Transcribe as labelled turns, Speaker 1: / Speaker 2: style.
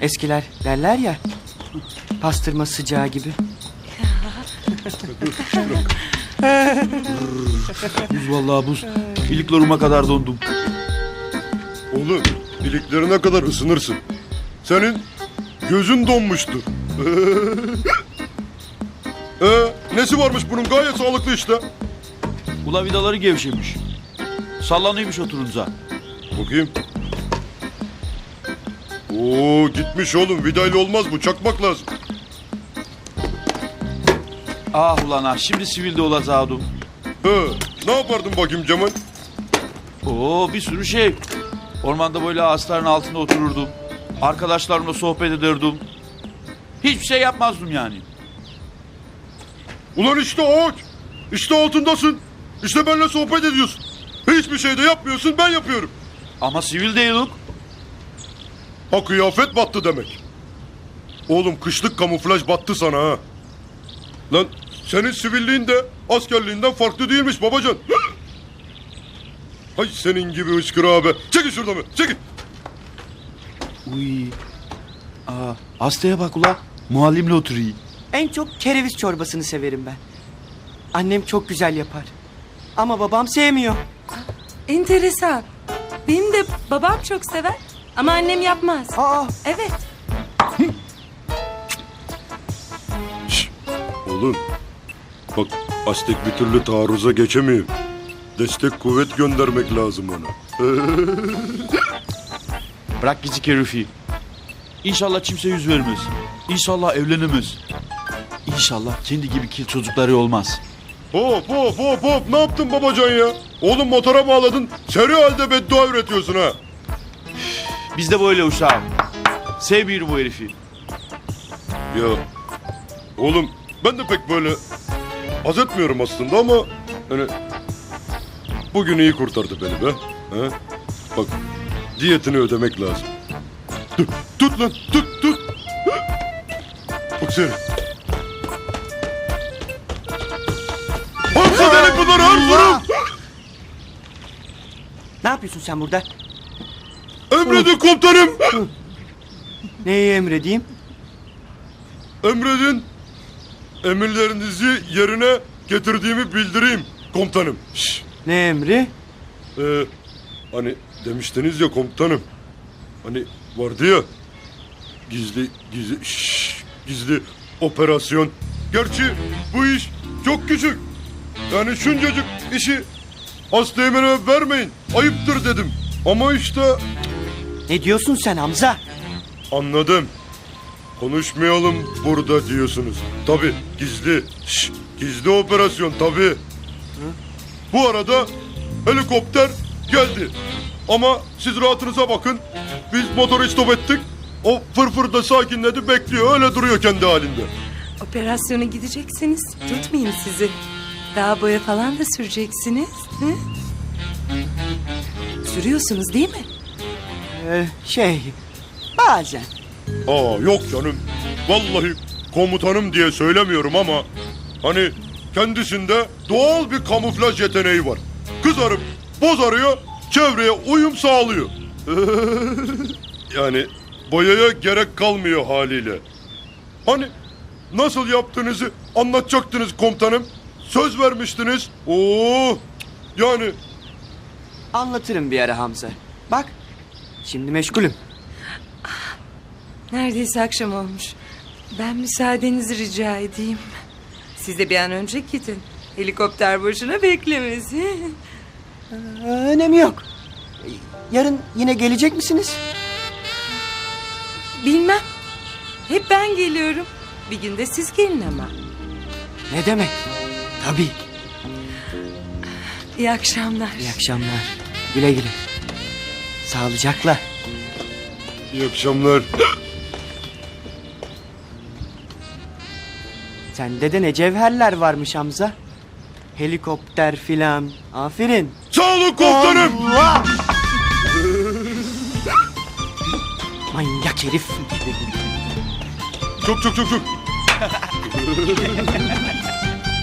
Speaker 1: Eskiler derler ya, pastırma sıcağı gibi.
Speaker 2: Buz vallahi buz. İliklerime kadar dondum.
Speaker 3: Oğlum iliklerine kadar ısınırsın. Senin gözün donmuştur. Nesi varmış bunun? Gayet sağlıklı işte.
Speaker 2: Ula vidaları gevşemiş. Sallanıyormuş oturunca.
Speaker 3: Bakayım. Oo gitmiş oğlum. Vidayla olmaz bu. Çakmak lazım.
Speaker 2: Ah ulan ah, şimdi sivilde olacaktım.
Speaker 3: Ne yapardın bakayım Cemal?
Speaker 2: Oo, bir sürü şey. Ormanda böyle ağaçların altında otururdum. Arkadaşlarımla sohbet ederdim. Hiçbir şey yapmazdım yani.
Speaker 3: Ulan işte ağaç. İşte altındasın. İşte benimle sohbet ediyorsun. Hiçbir şey de yapmıyorsun, ben yapıyorum.
Speaker 2: Ama sivil değilim.
Speaker 3: Ha kıyafet battı demek. Oğlum kışlık kamuflaj battı sana ha. Lan senin sivilliğin de askerliğinden farklı değilmiş babacan. Hay senin gibi hıçkır abi. Çekil şuradan be, çekil.
Speaker 2: Uy. Aa, hastaya bak ula. Muallimle oturuyor.
Speaker 1: En çok kereviz çorbasını severim ben. Annem çok güzel yapar. Ama babam sevmiyor.
Speaker 4: Enteresan. Benim de babam çok sever ama annem yapmaz.
Speaker 1: Aa,
Speaker 4: Evet.
Speaker 3: Oğlum bak Aztek bir türlü taarruza geçemiyor. Destek kuvvet göndermek lazım ona.
Speaker 2: Bırak gizli herifi. İnşallah kimse yüz vermez. İnşallah evlenemez. İnşallah kendi gibi kil çocukları olmaz.
Speaker 3: Hop hop hop hop, ne yaptın babacan ya? Oğlum motora bağladın, seri halde beddua üretiyorsun ha.
Speaker 2: Biz de böyle uşağım. Sevmiyorum bu herifi.
Speaker 3: Ya oğlum ben de pek böyle haz etmiyorum aslında ama hani bugün iyi kurtardı beni be. He? Bak diyetini ödemek lazım. Tut lan tut. Bak seni. Hamza delik bunları harfırım.
Speaker 1: ne yapıyorsun sen burada?
Speaker 3: Emredin komutanım.
Speaker 1: Neyi emredeyim?
Speaker 3: Emredin. Emirlerinizi yerine getirdiğimi bildireyim komutanım. Şş.
Speaker 1: Ne emri?
Speaker 3: Hani demiştiniz ya komutanım. Hani vardı ya gizli operasyon. Gerçi bu iş çok küçük. Yani şuncacık işi Asteğmen'e vermeyin. Ayıptır dedim. Ama işte
Speaker 1: Ne diyorsun sen Hamza?
Speaker 3: anladım. Konuşmayalım burada diyorsunuz. Tabii gizli operasyon tabii. Bu arada helikopter geldi. Ama siz rahatınıza bakın. Biz motoru stop ettik. O fırfır da sakinledi, bekliyor. Öyle duruyor kendi halinde.
Speaker 4: Operasyona gideceksiniz. Tutmayayım sizi. Daha boya falan da süreceksiniz. Hı? Sürüyorsunuz değil mi?
Speaker 1: Bazen.
Speaker 3: Yok canım. Vallahi komutanım diye söylemiyorum ama hani kendisinde doğal bir kamuflaj yeteneği var. Kızarıp bozarıyor, çevreye uyum sağlıyor. Yani boyaya gerek kalmıyor haliyle. Hani nasıl yaptığınızı anlatacaktınız komutanım. Söz vermiştiniz. Yani
Speaker 1: Anlatırım bir ara Hamza. Bak, şimdi meşgulüm.
Speaker 4: Neredeyse akşam olmuş. Ben müsaadenizi rica edeyim. Siz de bir an önce gidin. Helikopter boşuna beklemesin.
Speaker 1: Önemi yok. Yarın yine gelecek misiniz?
Speaker 4: Bilmem. Hep ben geliyorum. Bir gün de siz gelin ama.
Speaker 1: Ne demek? Tabii.
Speaker 4: İyi akşamlar.
Speaker 1: İyi akşamlar. Güle güle. Sağlıcakla.
Speaker 3: iyi akşamlar.
Speaker 1: Sende de ne cevherler varmış Hamza. Helikopter filan. Aferin.
Speaker 3: Sağ olun komutanım.
Speaker 1: Allah! Manyak herif.
Speaker 3: Çok.